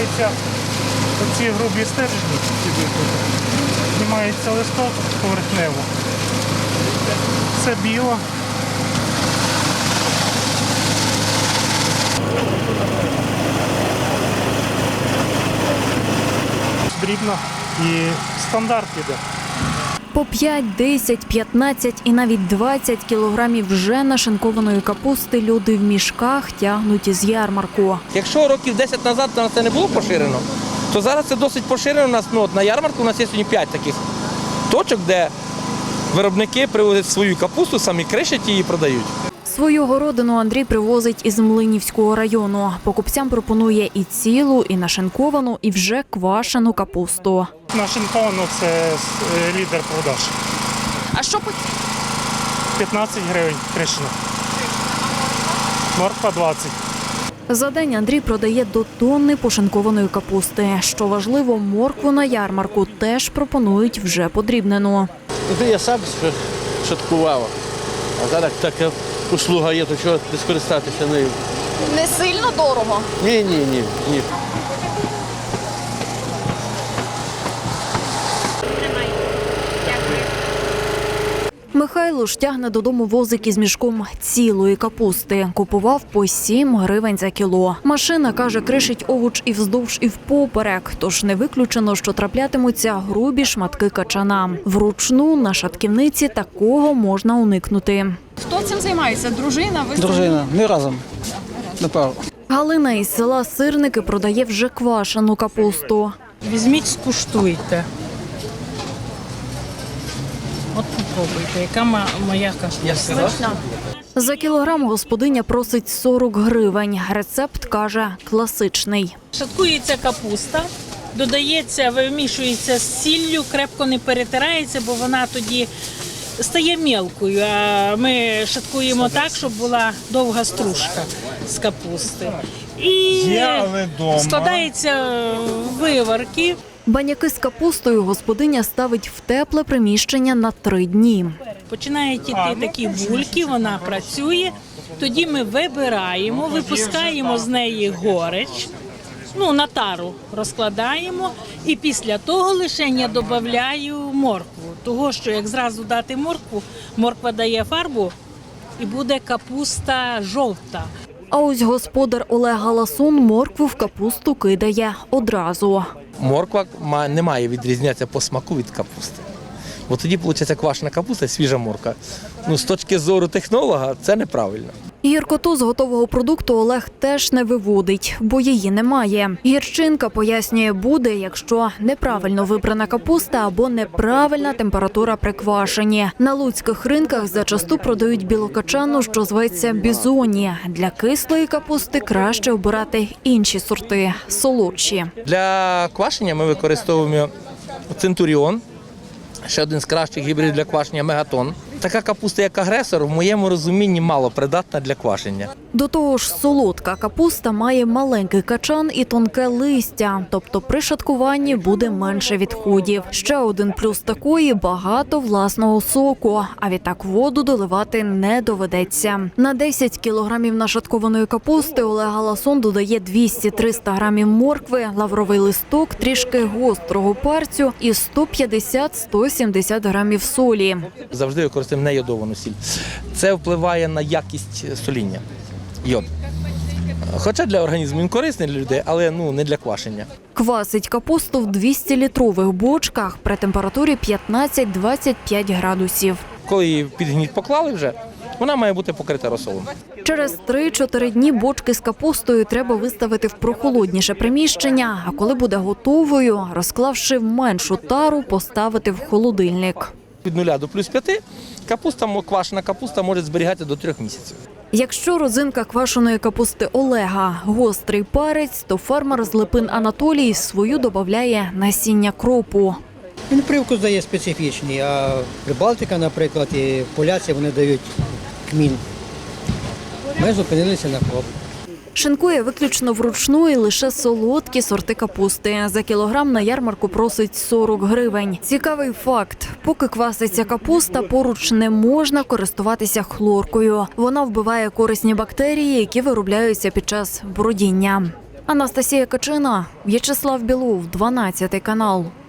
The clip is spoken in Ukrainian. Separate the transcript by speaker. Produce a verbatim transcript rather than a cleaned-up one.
Speaker 1: знімаються оці грубі стержні, знімається листок поверхнево. Це біло. Дрібно і стандарт іде.
Speaker 2: По п'ять, десять, п'ятнадцять і навіть двадцять кілограмів вже нашинкованої капусти люди в мішках тягнуть із ярмарку.
Speaker 3: Якщо років десять назад на це не було поширено, то зараз це досить поширено. У нас, ну, на ярмарку у нас є сьогодні п'ять таких точок, де виробники привозять свою капусту, самі кришать її і продають.
Speaker 2: Свою городину Андрій привозить із Млинівського району. Покупцям пропонує і цілу, і нашинковану, і вже квашену капусту.
Speaker 1: Нашинковано – це лідер продаж.
Speaker 2: А що по
Speaker 1: п'ятнадцять гривень кришена. Морква двадцять.
Speaker 2: За день Андрій продає до тонни пошинкованої капусти. Що важливо, моркву на ярмарку теж пропонують вже подрібнену.
Speaker 4: Туди я сам шаткував, а зараз така услуга є, то чого не скористатися нею.
Speaker 5: Не сильно дорого?
Speaker 4: Ні, ні, ні, ні.
Speaker 2: Михайло ж тягне додому возик із мішком цілої капусти. Купував по сім гривень за кіло. Машина, каже, кришить овоч і вздовж, і впоперек. Тож не виключено, що траплятимуться грубі шматки качана. Вручну на шатківниці такого можна уникнути.
Speaker 5: Хто цим займається? Дружина? Ви
Speaker 6: Дружина, ми разом. Направо.
Speaker 2: Галина із села Сирники продає вже квашену капусту.
Speaker 7: Візьміть, скуштуйте. От попробуйте, яка моя капуста.
Speaker 2: За кілограм господиня просить сорок гривень. Рецепт, каже, класичний.
Speaker 7: Шаткується капуста, додається, вимішується з сіллю, крепко не перетирається, бо вона тоді стає мілкою. А ми шаткуємо так, щоб була довга стружка з капусти. І складається виварки.
Speaker 2: Баняки з капустою господиня ставить в тепле приміщення на три дні.
Speaker 7: Починають іти такі бульки, вона працює, тоді ми вибираємо, випускаємо з неї горич, ну, на тару розкладаємо, і після того лише я додаю моркву. Того, що як зразу дати моркву, морква дає фарбу і буде капуста жовта.
Speaker 2: А ось господар Олег Галасун моркву в капусту кидає одразу.
Speaker 3: Морква не має відрізнятися по смаку від капусти. Бо тоді, виходить, квашена капуста, свіжа морква. Ну, з точки зору технолога, це неправильно.
Speaker 2: Гіркоту з готового продукту Олег теж не виводить, бо її немає. Гірчинка, пояснює, буде, якщо неправильно вибрана капуста або неправильна температура при квашенні. На луцьких ринках зачасту продають білокачану, що зветься бізоні. Для кислої капусти краще обирати інші сорти, солодші.
Speaker 3: Для квашення ми використовуємо центуріон, ще один з кращих гібридів для квашення – мегатон. Така капуста, як агресор, в моєму розумінні мало придатна для квашення.
Speaker 2: До того ж, солодка капуста має маленький качан і тонке листя, тобто при шаткуванні буде менше відходів. Ще один плюс такої – багато власного соку, а відтак воду доливати не доведеться. На десять кілограмів нашаткованої капусти Олег Галасун додає двісті-триста грамів моркви, лавровий листок, трішки гострого перцю і сто п'ятдесят - сто сімдесят грамів солі.
Speaker 3: Завжди використовуємо нейодовану сіль. Це впливає на якість соління. Йод. Хоча для організму він корисний для людей, але ну, не для квашення.
Speaker 2: Квасить капусту в двістилітрових бочках при температурі п'ятнадцять - двадцять п'ять градусів.
Speaker 3: Коли її під гніт поклали вже, вона має бути покрита розсолом.
Speaker 2: Через три-чотири дні бочки з капустою треба виставити в прохолодніше приміщення, а коли буде готовою, розклавши в меншу тару, поставити в холодильник.
Speaker 3: Від нуля до плюс п'яти капуста, квашена капуста може зберігати до трьох місяців.
Speaker 2: Якщо родзинка квашеної капусти Олега – гострий перець, то фермер з Липин Анатолій свою додає насіння кропу.
Speaker 6: Він привкус дає специфічний, а Прибалтика, наприклад, і поляці вони дають кмін. Ми зупинилися на кроп.
Speaker 2: Шинкує виключно вручну і лише солодкі сорти капусти. За кілограм на ярмарку просить сорок гривень. Цікавий факт. Поки кваситься капуста, поруч не можна користуватися хлоркою. Вона вбиває корисні бактерії, які виробляються під час бродіння. Анастасія Качина, В'ячеслав Білов, дванадцятий канал.